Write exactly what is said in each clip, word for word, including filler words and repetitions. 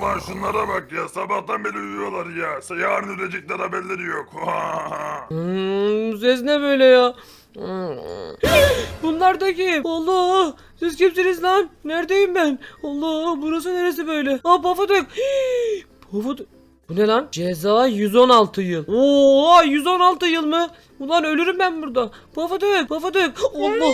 Ulan şunlara bak ya, sabahtan beri uyuyorlar ya. Yarın ölecekler, haberleri yok. Hmm, ses ne böyle ya? Bunlar da kim? Allah! Siz kimsiniz lan? Neredeyim ben? Allah! Burası neresi böyle? Aa, Pofuduk! Pofuduk! Bu ne lan? Ceza yüz on altı yıl. Oo, yüz on altı yıl mı? Ulan ölürüm ben burada. Pofuduk! Pofuduk! Allah!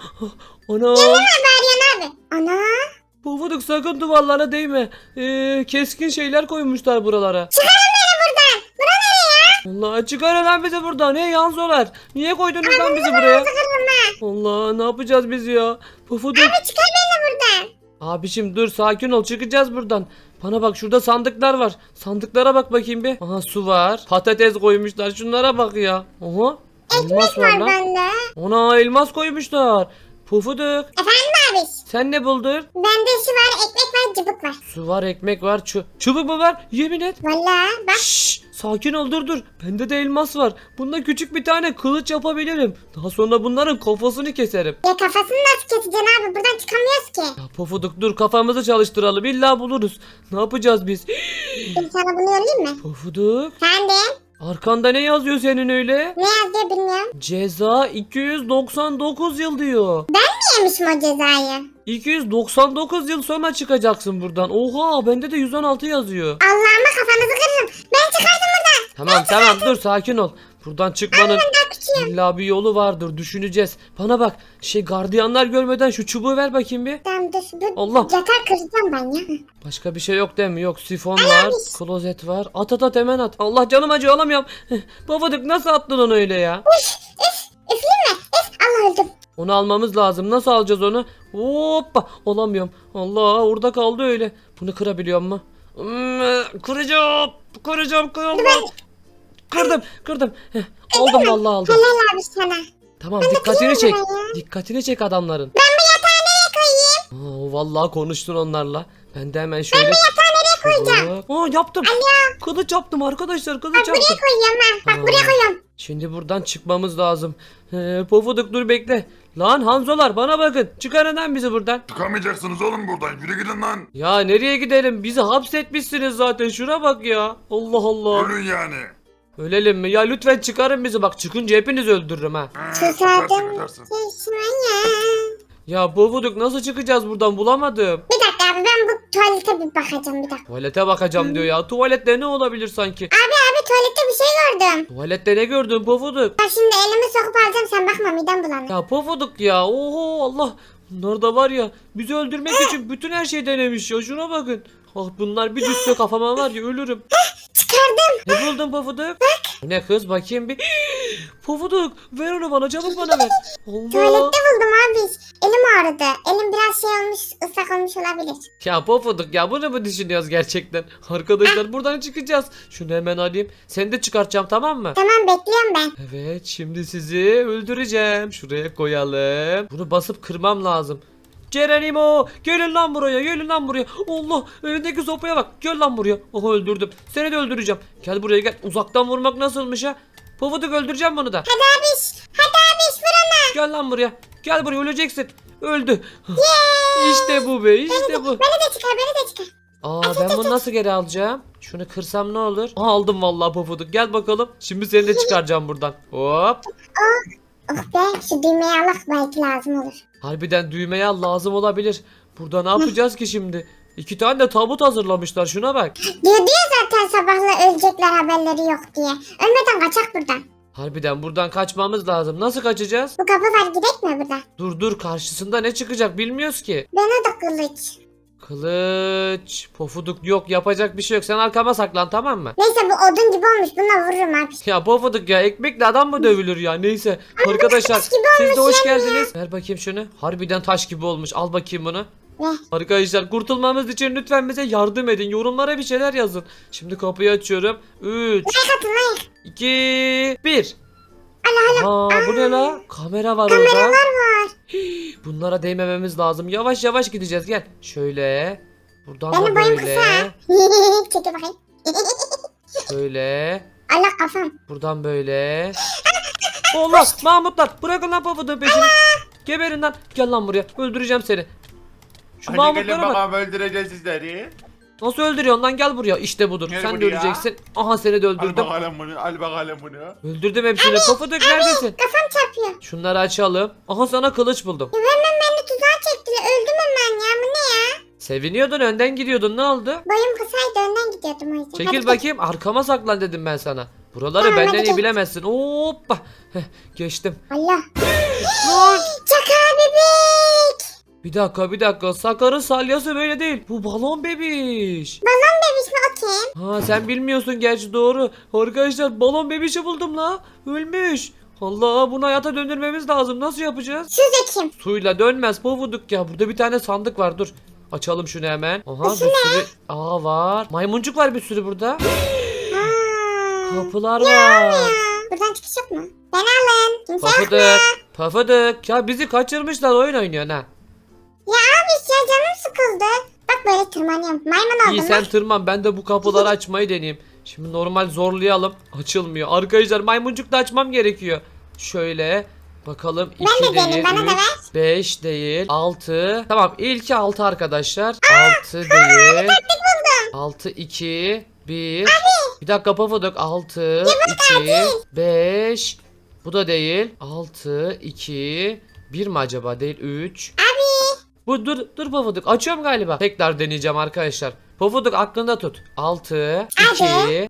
Ana! Meryem abi. Ana. Pofuduk sakın duvarlara değme. Ee, keskin şeyler koymuşlar buralara. Çıkarın beni buradan. Bura nereye ya? Allah, çıkarın lan bizi buradan. Hey Yanzolar. Niye koydunuz lan bizi buraya? Çıkarın ha. Allah, ne yapacağız biz ya? Pofuduk. Abi çıkar beni buradan. Abişim dur, sakin ol, çıkacağız buradan. Bana bak, şurada sandıklar var. Sandıklara bak bakayım bir. Aha, su var. Patates koymuşlar. Şunlara bak ya. Oha. Elmas var Var lan. bende. Ona elmas koymuşlar. Pofuduk. Efendim abi. Sen ne buldun? Bende şu var, ekmek var, cıbık var. Su var, ekmek var, çu çubuk mu var? Yemin et. Valla bak. Şşş, sakin ol, dur dur. Bende de elmas var. Bunda küçük bir tane kılıç yapabilirim. Daha sonra bunların kafasını keserim. Ya kafasını nasıl keseceksin abi? Buradan çıkamıyoruz ki. Ya Pofuduk dur, kafamızı çalıştıralım. İlla buluruz. Ne yapacağız biz? Ben sana bunu yollayayım mı? Pofuduk. Sen de. Arkanda ne yazıyor senin öyle? Ne yazıyor bilmiyorum. Ceza iki yüz doksan dokuz yıl diyor. Ne yemişim o cezayı? iki yüz doksan dokuz yıl sonra çıkacaksın buradan. Oha, bende de yüz on altı yazıyor. Allah'ıma kafanızı kırırım. Ben çıkardım buradan. Tamam tamam, dur sakin ol. Buradan çıkmanın Ben daha küçüğüm. illa bir yolu vardır, düşüneceğiz. Bana bak, şey, gardiyanlar görmeden şu çubuğu ver bakayım bir. Tamam dur. dur. Allah. Yatar kıracağım ben ya. Başka bir şey yok değil mi? Yok, sifon var, klozet var. At at at, hemen at. Allah, canım acıyor, alamıyorum. Babadık, nasıl attın onu öyle ya? Üfleyeyim mi? Üf. Allah öldüm. Onu almamız lazım. Nasıl alacağız onu? Hoppa, alamıyorum. Allah, orada kaldı öyle. Bunu kırabiliyor mu? Hmm, kıracağım. Kıracağım. Kıracağım. Kırdım. Kırdım. Heh, aldım vallahi, aldım. Helal abi sana. Tamam, dikkatini çek. kırayım burayı. Dikkatini çek adamların. Ben bu yatağı nereye koyayım? Aa, vallahi konuştun onlarla. Ben de hemen şöyle. Ben bu yatağı nereye koyacağım? Aa, yaptım. Kılıç yaptım arkadaşlar. Kılıç Bak buraya yaptım. koyuyorum ben. Bak buraya Aa. koyuyorum. Şimdi buradan çıkmamız lazım. Ee, Pofuduk dur, bekle. Lan Hanzolar, bana bakın. Çıkarın lan bizi buradan. Çıkamayacaksınız oğlum buradan, yürü gidin lan. Ya nereye gidelim? Bizi hapsetmişsiniz zaten. Şuna bak ya. Allah Allah. Ölün yani. Ölelim mi? Ya lütfen çıkarın bizi. Bak, çıkınca hepinizi öldürürüm ha. Ha, Susadım. çıkarsın, çıkarsın. Çeşmeye. Ya Pofuduk, nasıl çıkacağız buradan? Bulamadım. Bir dakika abi ben bu tuvalete bir bakacağım bir dakika. Tuvalete bakacağım diyor ya. Tuvalette ne olabilir sanki? Abi abi tuvalette bir şey gördüm. Tuvalette ne gördün Pofuduk? Ben şimdi elimi sokup alacağım sen bakma midem bulanır. Ya Pofuduk ya. Oho, Allah. Bunlar da var ya, bizi öldürmek için bütün her şey denemiş ya. Şuna bakın. Ah, bunlar bir düşse kafama var ya, ölürüm. Çıkardım. Ne buldun Pofuduk? Bu ne kız, bakayım bir. Pofuduk, ver onu bana, çabuk bana ver. Allah. Tuvalette buldum abi. Elim ağrıdı. Elim biraz şey olmuş ıslak olmuş olabilir. Ya Pofuduk ya, bunu mu düşünüyoruz gerçekten? Arkadaşlar, buradan çıkacağız. Şunu hemen alayım. Seni de çıkartacağım, tamam mı? Tamam bekliyorum ben. Evet, şimdi sizi öldüreceğim. Şuraya koyalım. Bunu basıp kırmam lazım. Cerenimo, gelin lan buraya, gelin lan buraya. Allah, elindeki sopaya bak. Gel lan buraya. Oha, öldürdüm. Seni de öldüreceğim. Gel buraya, gel. Uzaktan vurmak nasılmış ha? Pofuduk, öldüreceğim bunu da. Hadi abiş. Hadi abiş vurana. Gel lan buraya. Gel buraya, öleceksin. Öldü. İşte bu be, işte bu. Beni de çıkar beni de çıkar. Aa, ben bunu nasıl geri alacağım? Şunu kırsam ne olur? Aa, aldım vallahi Pofuduk. Gel bakalım. Şimdi seni de çıkaracağım buradan. Hop. Oh be şu düğmeyi Allah belki lazım olur. Harbiden düğmeye al, lazım olabilir. Burada ne yapacağız ki şimdi? İki tane de tabut hazırlamışlar, şuna bak. Diyor diyor zaten sabahla ölecekler haberleri yok diye. Ölmeden kaçak buradan. Harbiden buradan kaçmamız lazım. Nasıl kaçacağız? Bu kapı var gidek mi burada? Dur dur, karşısında ne çıkacak bilmiyoruz ki. Bana da kılıç. Kılıç. Pofuduk yok, yapacak bir şey yok. Sen arkama saklan, tamam mı? Neyse bu odun gibi olmuş bununla vururum abi. Ya Pofuduk ya, ekmekle adam mı dövülür ya? Neyse arkadaşlar, taş gibi siz de olmuş hoş yani. geldiniz. Ver bakayım şunu. Harbiden taş gibi olmuş. Al bakayım bunu. Ne? Arkadaşlar, kurtulmamız için lütfen bize yardım edin. Yorumlara bir şeyler yazın. Şimdi kapıyı açıyorum. üç, Like atın like. iki, bir. Allah Allah. Aa, bu ne la? Kamera var Kameralar orada. var. Bunlara değmememiz lazım. Yavaş yavaş gideceğiz, gel. Şöyle. Buradan Benim da boyum böyle. kısa. Çekil bakayım. Şöyle. Allah kafam. Buradan böyle. Allah, Mahmutlar, bırakın lan Pofuduk'un peşini. Geberin lan. Gel lan buraya. Öldüreceğim seni. Şu Hadi gelin Mahmutlara bak. bakalım öldüreceğiz sizleri. Nasıl öldürüyorsun lan, gel buraya. İşte budur. Gel Sen de buraya. öleceksin. Aha seni de Al öldürdüm. bakalım bunu. Al bakalım bunu. Öldürdüm hepsini. Pofuduk neredesin? Kafam çarpıyor. Şunları açalım. Aha sana kılıç buldum. Ya hemen beni tuzağa çektiler. Öldüm hemen ya. Bu ne ya? Seviniyordun, önden gidiyordun, ne oldu? Boyum kısaydı önden gidiyordum o yüzden. Çekil Hadi bakayım, arkama saklan dedim ben sana. Buraları Tamam, benden hadi iyi geç. bilemezsin. Hoppa. Heh, geçtim. git. Allah. Lan! Çakal bebek. Bir dakika bir dakika. Sakar'ın salyası böyle değil. Bu balon bebiş. Balon bebiş mi o kim? Ha sen bilmiyorsun gerçi, doğru. Arkadaşlar balon bebişi buldum la. Ölmüş. Allah, bunu hayata döndürmemiz lazım. Nasıl yapacağız? Suze kim? Suyla dönmez pofuduk ya. Burada bir tane sandık var, dur. Açalım şunu hemen. Aha bir Şu ne? sürü. Aa var. Maymuncuk var bir sürü burada. Aa. Kapılar var. Ya. Buradan çıkış yok mu? Ben alın. Kimse yok mu? Pofuduk. Pofuduk. Ya bizi kaçırmışlar, oyun oynuyorsun ha. Ya abi ya canım sıkıldı. Bak böyle tırmanıyorum. Maymun oldum İyi ben. sen tırman, ben de bu kapıları açmayı deneyeyim. Şimdi normal zorlayalım. Açılmıyor. Arkadaşlar maymuncuk da açmam gerekiyor. Şöyle bakalım. Ben de iki deneyim, değil, bana da üç, ver. beş değil, altı. Tamam, ilki altı arkadaşlar. altı değil. altı, iki, bir. Bir dakika Pofuduk. altı, iki, beş. Bu da değil. altı, iki, bir mi acaba? Değil, üç. Bu dur dur Pofuduk, açıyorum galiba. Tekrar deneyeceğim arkadaşlar. Pofuduk aklında tut. altı, iki, İki.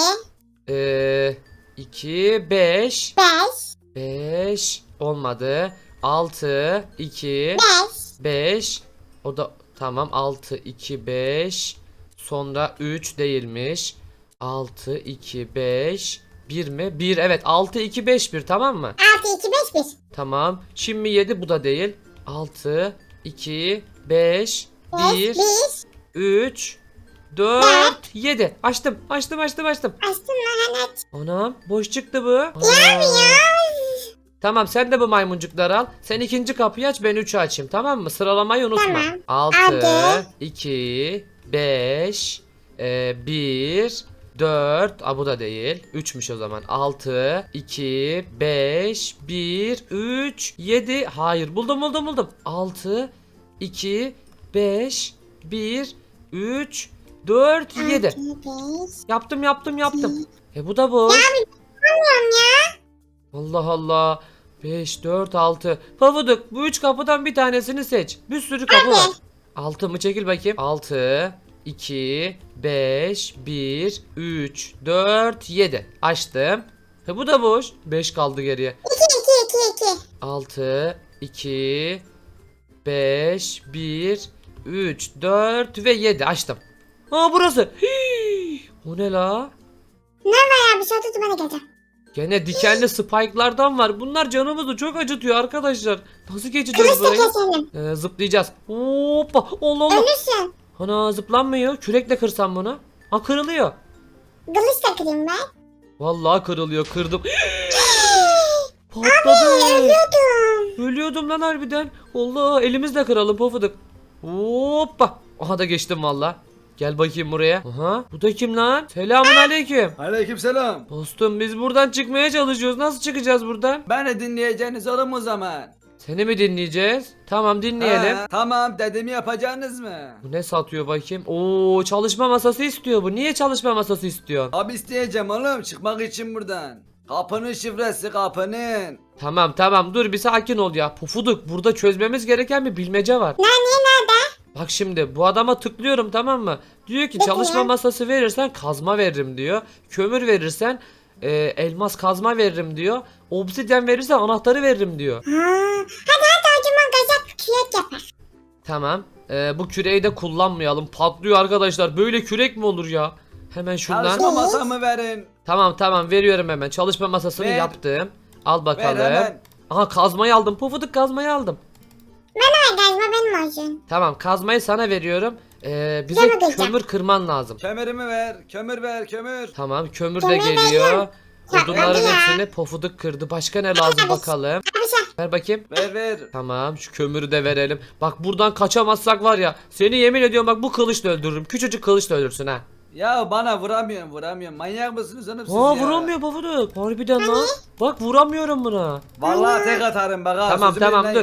eee iki, beş, Beş. beş olmadı. altı, iki, Beş. beş. O da tamam. altı, iki, beş. Sonra üç değilmiş. altı, iki, beş. bir mi? bir, evet. altı, iki, beş, bir, tamam mı? Altı, iki, beş, bir. Tamam. Şimdi yedi, bu da değil. altı, iki, beş, Beş, bir, bir. üç, dört, yedi. Açtım. Açtım açtım açtım. Açtın mı? Hani aç. Anam boş çıktı bu. Aa. Tamam, sen de bu maymuncukları al. Sen ikinci kapıyı aç, ben üçü açayım, tamam mı? Sıralamayı unutma. Tamam. altı, Hadi. iki, beş, bir, dört. Aa, bu da değil. üçmüş o zaman. altı, iki, beş, bir, üç, yedi. Hayır, buldum buldum buldum. altı, iki, beş, bir, üç, dört, yedi. Altı, beş. Yaptım yaptım yaptım. E bu da boş. Bilmiyorum ya. Allah Allah. beş, dört, altı. Pafuduk, bu üç kapıdan bir tanesini seç. Bir sürü kapı var. altı mı, çekil bakayım. altı, iki, beş, bir, üç, dört, yedi. Açtım. E bu da boş. beş kaldı geriye. İki, iki, iki, iki. altı, iki, beş, bir, üç, dört ve yedi. Açtım. Aa, burası. Hii, o ne la? Ne var ya, bir şey tuttu, ben de geleceğim. Gene dikenli spike'lardan var. Bunlar canımızı çok acıtıyor arkadaşlar. Nasıl geçeceğiz Kılıçla burayı? keselim. Ee, zıplayacağız. Hoppa. Allah Allah. Ölürsün. Ana, zıplanmıyor. Kürekle kırsam bunu. Ha, kırılıyor. Kılıçla kırayım ben. Vallahi kırılıyor. Kırdım. Patladı. Ölüyordum. Ölüyordum lan harbiden. Allah, elimizle kıralım Pofuduk. Hoppa. Aha da geçtim valla. Gel bakayım buraya. Aha. Bu da kim lan? Selamun aleyküm. Aleykümselam. Dostum, biz buradan çıkmaya çalışıyoruz. Nasıl çıkacağız buradan? Beni dinleyeceğiniz oğlum o zaman. Seni mi dinleyeceğiz? Tamam, dinleyelim. Ha, tamam, dediğimi yapacaksınız mı? Bu ne satıyor bakayım? Oo, çalışma masası istiyor bu. Niye çalışma masası istiyorsun? Abi isteyeceğim oğlum çıkmak için buradan. Kapının şifresi kapının. Tamam tamam, dur bir sakin ol ya. Pufuduk, burada çözmemiz gereken bir bilmece var. Ne, niye, nerede? Bak şimdi bu adama tıklıyorum, tamam mı? Diyor ki Peki çalışma ya. masası verirsen kazma veririm diyor. Kömür verirsen e, elmas kazma veririm diyor. Obsidyen verirsen anahtarı veririm diyor. Ha. Hadi hadi o zaman gazak kürek yapar. Tamam. E, bu küreği de kullanmayalım. Patlıyor arkadaşlar. Böyle kürek mi olur ya? Hemen şundan. Çalışma masamı verin. Tamam tamam, veriyorum hemen. Çalışma masasını Ver. yaptım. Al bakalım. Ver hemen. Aha, kazmayı aldım. Pufuduk, kazmayı aldım. Hayır gazma benim olsun. Tamam, kazmayı sana veriyorum. Ee, bize Gel bakayım. kömür kırman lazım. Kömürümü ver. Kömür ver kömür. Tamam, kömür de Kömür geliyor. veriyorum. Ya, Odunların hadi ya. hepsini Pofuduk kırdı. Başka ne lazım hadi. bakalım. Abi şey. Ver bakayım. Ver ver. Tamam, şu kömürü de verelim. Bak buradan kaçamazsak var ya, seni yemin ediyorum bak, bu kılıçla öldürürüm. Küçücük kılıçla öldürsün ha. Ya bana vuramıyorum vuramıyorum. Manyak mısınız oğlum siz Aa, ya? vuramıyor Pofuduk. Harbiden lan. Bak vuramıyorum buna. Vallahi tek atarım bak ha. Tamam sözümü tamam, dur. dinleyin.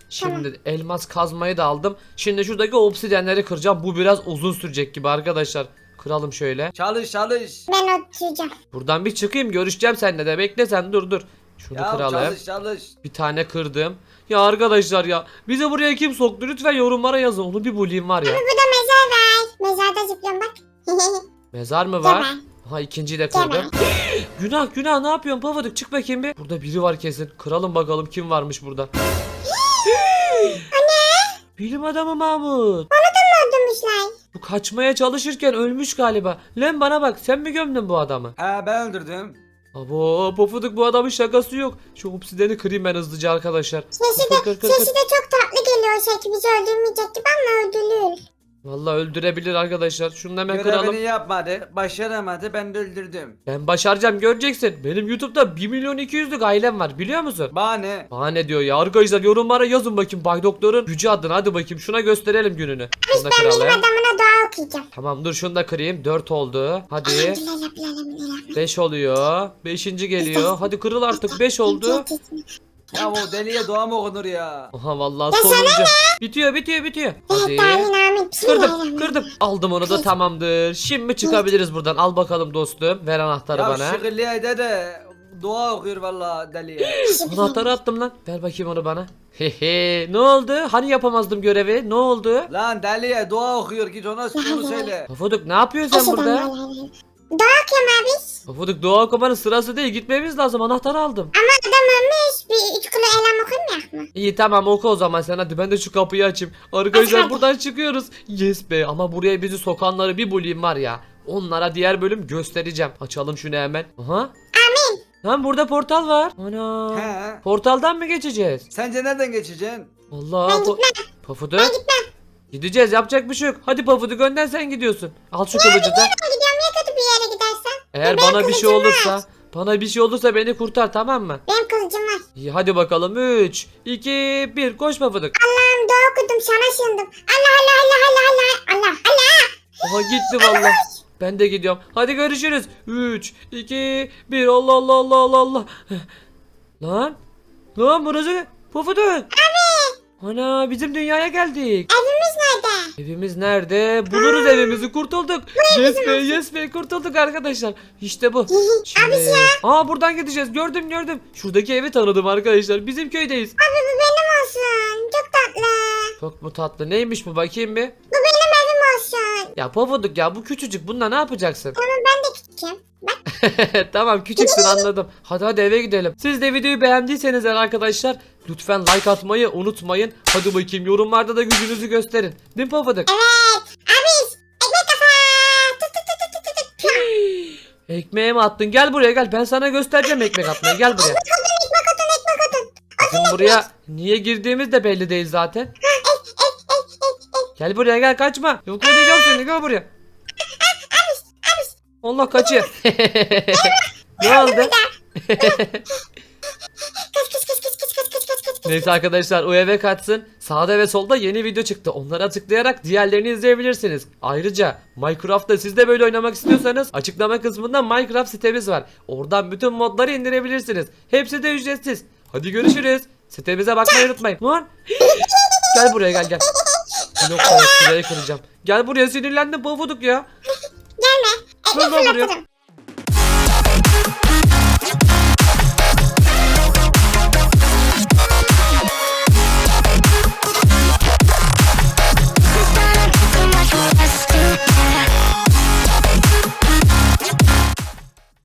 Şimdi elmas kazmayı da aldım. Şimdi şuradaki obsidyenleri kıracağım. Bu biraz uzun sürecek gibi arkadaşlar. Kıralım şöyle. Çalış çalış. Ben oturacağım. Buradan bir çıkayım, görüşeceğim seninle de. Bekle sen, dur dur. Şunu Ya kıralım. çalış çalış. Bir tane kırdım. Ya arkadaşlar ya, bize buraya kim soktu? Lütfen yorumlara yazın. Onu bir bulayım var ya. Bu da mezar var. Mezarda zıplıyorum bak. Mezar mı var? Geber. Aha, ikinciyi de Geber. kırdım. Günah günah, ne yapıyorsun Pofuduk? Çık bakayım bir. Burada biri var kesin. Kıralım bakalım kim varmış burada. Bilim adamı Mahmut. Öldürmüşler. Bu kaçmaya çalışırken ölmüş galiba. Lan bana bak, sen mi gömdün bu adamı? He ben öldürdüm. Abo Pofuduk, bu adamın şakası yok. Şu obsidiyeni kırayım ben hızlıca arkadaşlar. Sesi Kır, de, kır, kır, sesi kır. de çok tatlı geliyor. Şey bizi öldürmeyecek gibi ama öldürür. Vallahi öldürebilir arkadaşlar. Şunu da hemen Görevini kıralım. yapmadı. Başaramadı. Ben de öldürdüm. Ben başaracağım, göreceksin. Benim YouTube'da bir milyon iki yüzlük ailem var, biliyor musun? Bana ne? Bana ne diyor ya arkadaşlar, yorumlara yazın bakayım Bay Doktor'un gücü adına, hadi bakayım şuna gösterelim gününü. Şunu da Ben bilim kıralım. adamına dua okuyacağım. Tamam dur, şunu da kırayım. dört oldu. Hadi. Elhamdülillah. beş oluyor. beşinci geliyor. Hadi kırıl artık, beş oldu. Ya o deliye dua mı okunur ya? Aha vallahi sonuncu. Bitiyor bitiyor bitiyor. Hadi. Evet Dalin amin. Kırdım kırdım. Aldım onu da, tamamdır. Şimdi çıkabiliriz buradan. Al bakalım dostum. Ver anahtarı Ya bana. şıkırlıya de de dua okuyor valla deliye. Anahtarı attım lan. Ver bakayım onu bana. Hehe. Ne oldu? Hani yapamazdım görevi? Ne oldu? Lan deliye dua okuyor, git ona onu söyle. Pofuduk ne yapıyorsun sen burada? Dua okuyorum abi. Pofuduk, dua okumanın sırası değil. Gitmemiz lazım. Anahtarı aldım. Ama adam ölmüş. Bir üç kilo elham okumuyor mu? İyi tamam, oku o zaman sen, hadi ben de şu kapıyı açayım. Arkadaşlar Hadi. buradan çıkıyoruz. Yes be, ama buraya bizi sokanları bir bulayım var ya. Onlara diğer bölüm göstereceğim. Açalım şunu hemen. Aha. Amin. Lan burada portal var. Ana. He. Portaldan mı geçeceğiz? Sence nereden geçeceksin? Allah. Ben po- gitmem. Pofuduk. Ben gitmem. Gideceğiz, yapacak bir şey yok. Hadi Pofuduk, önden sen gidiyorsun. Al şu kılıcı da. Ben gidiyorum ya kötü bir yere gidersen. Eğer Benim bana bir şey kılıcım var. olursa, bana bir şey olursa beni kurtar, tamam mı? Benim kılıcım var. İyi hadi bakalım. üç, iki, bir, koş Pofuduk. Allah'ım dua okudum sana sığındım. Allah Allah Allah Allah Allah Allah Allah. Aha gitti vallahi. Ben de gidiyorum. Hadi görüşürüz. üç, iki, bir. Allah Allah Allah Allah Allah. Lan. Lan burası. Pofuduk. Abi. Ana, bizim dünyaya geldik. Evimiz nerede? Evimiz nerede? Buluruz evimizi, kurtulduk. Yes be, yes be, kurtulduk arkadaşlar. İşte bu. Şimdi... Aa, buradan gideceğiz. Gördüm gördüm. Şuradaki evi tanıdım arkadaşlar. Bizim köydeyiz. Abi bu benim olsun. Çok tatlı. Çok mu tatlı? Neymiş bu, bakayım bir. Bu benim evim olsun. Ya Pofuduk ya, bu küçücük. Bununla ne yapacaksın? Ama ben de küçüküm. Bak. Tamam, küçüksün, anladım. Hadi hadi eve gidelim. Siz de videoyu beğendiyseniz eğer arkadaşlar, lütfen like atmayı unutmayın. Hadi bakayım, yorumlarda da gücünüzü gösterin. Değil mi Pofuduk? Evet. Abi ekmek kafa. Tut tut tut tut tut tut. Ekmeğe mi attın? Gel buraya gel. Ben sana göstereceğim ekmek atmayı. Gel buraya. Ekmek atın ekmek atın. Bizim buraya niye girdiğimiz de belli değil zaten. Gel buraya gel, kaçma. Yok ödeyeceğim seni, gel buraya. Allah, kaçıyor. Ne oldu? Kaç kaç kaç kaç kaç kaç kaç kaç kaç. Neyse arkadaşlar, o eve kaçsın. Sağda ve solda yeni video çıktı. Onlara tıklayarak diğerlerini izleyebilirsiniz. Ayrıca Minecraft'ta siz de böyle oynamak istiyorsanız açıklama kısmında Minecraft sitemiz var. Oradan bütün modları indirebilirsiniz. Hepsi de ücretsiz. Hadi görüşürüz. Sitemize bakmayı unutmayın. Lan. Gel buraya gel gel. Blokları şuraya kıracağım. Gel buraya, sinirlendim Pofuduk ya. Gelme. Dur Ekmek lan buraya. fırlatırım.